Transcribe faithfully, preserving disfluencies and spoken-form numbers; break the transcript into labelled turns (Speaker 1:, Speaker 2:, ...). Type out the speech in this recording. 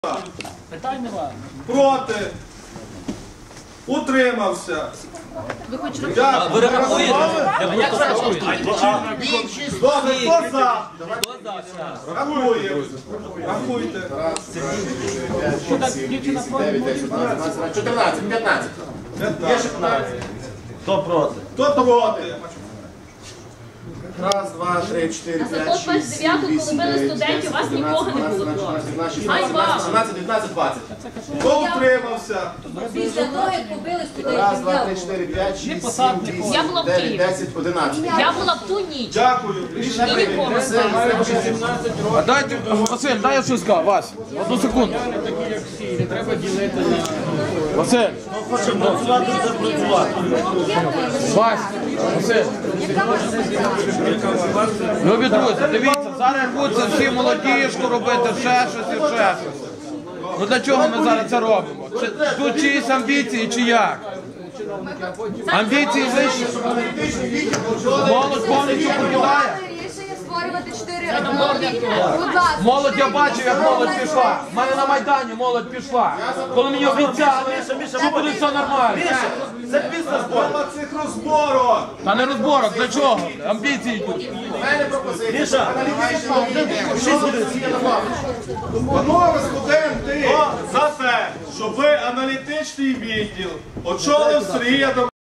Speaker 1: Питань немає.
Speaker 2: Проти. Утримався.
Speaker 3: Ви хоч
Speaker 2: Дякую.
Speaker 1: Ви рахуєте?
Speaker 2: Добре, хто за?
Speaker 1: Хто за?
Speaker 2: Рахуємо. Рахуйте.
Speaker 4: чотирнадцять, п'ятнадцять.
Speaker 2: п'ятнадцять.
Speaker 4: Хто проти?
Speaker 2: Хто проти?
Speaker 4: Раз, два, три, чотири, п'ять,
Speaker 3: Закон
Speaker 4: шість,
Speaker 3: двадцять
Speaker 4: сім,
Speaker 3: дев'яту, коли
Speaker 4: вісім,
Speaker 3: били
Speaker 4: дев'ять,
Speaker 3: студентів, у вас
Speaker 4: десять,
Speaker 3: нікого не
Speaker 4: одинадцять,
Speaker 3: було
Speaker 4: дванадцять,
Speaker 3: проти.
Speaker 4: тринадцять,
Speaker 3: Ай,
Speaker 4: чотирнадцять,
Speaker 3: вам.
Speaker 4: сімнадцять, дев'ятнадцять, двадцять.
Speaker 2: Хто утримався?
Speaker 5: Після того, як побили
Speaker 4: Раз, два, три,
Speaker 5: студентів.
Speaker 4: чотири, п'ять, шість, сім,
Speaker 3: Я була
Speaker 4: вісім,
Speaker 3: в
Speaker 4: дев'ять,
Speaker 3: Києві.
Speaker 4: десять, одинадцять.
Speaker 3: Я була в ту ніч.
Speaker 2: Дякую. Рішення
Speaker 3: І
Speaker 2: прийнято.
Speaker 3: нікого.
Speaker 6: А дайте, Василь, дай я щось скажу, Вась, одну секунду. Василь. Вась, Василь. Любі друзі, дивіться, зараз рвуться всі молодіжку робити, ще щось і ще щось. Ну для чого ми зараз це робимо? Чи, тут чиїсь амбіції, чи як? Амбіції вищі. Молодь повністю покидає.
Speaker 5: Рішення створювати чотири одномовні. Будь ласка.
Speaker 6: Молодь, я бачив, як молодь пішла. У мене на Майдані молодь пішла. Коли мені обіцяли, що буде все нормально.
Speaker 2: Це бізнес-бор. цих розборок.
Speaker 6: Та не розборок, для чого? Амбіції йдуть.
Speaker 4: У мене пропозиція. Аналітична відділ.
Speaker 2: Панове студенти, за те, щоб ви аналітичний відділ очолив Сергій Адамович.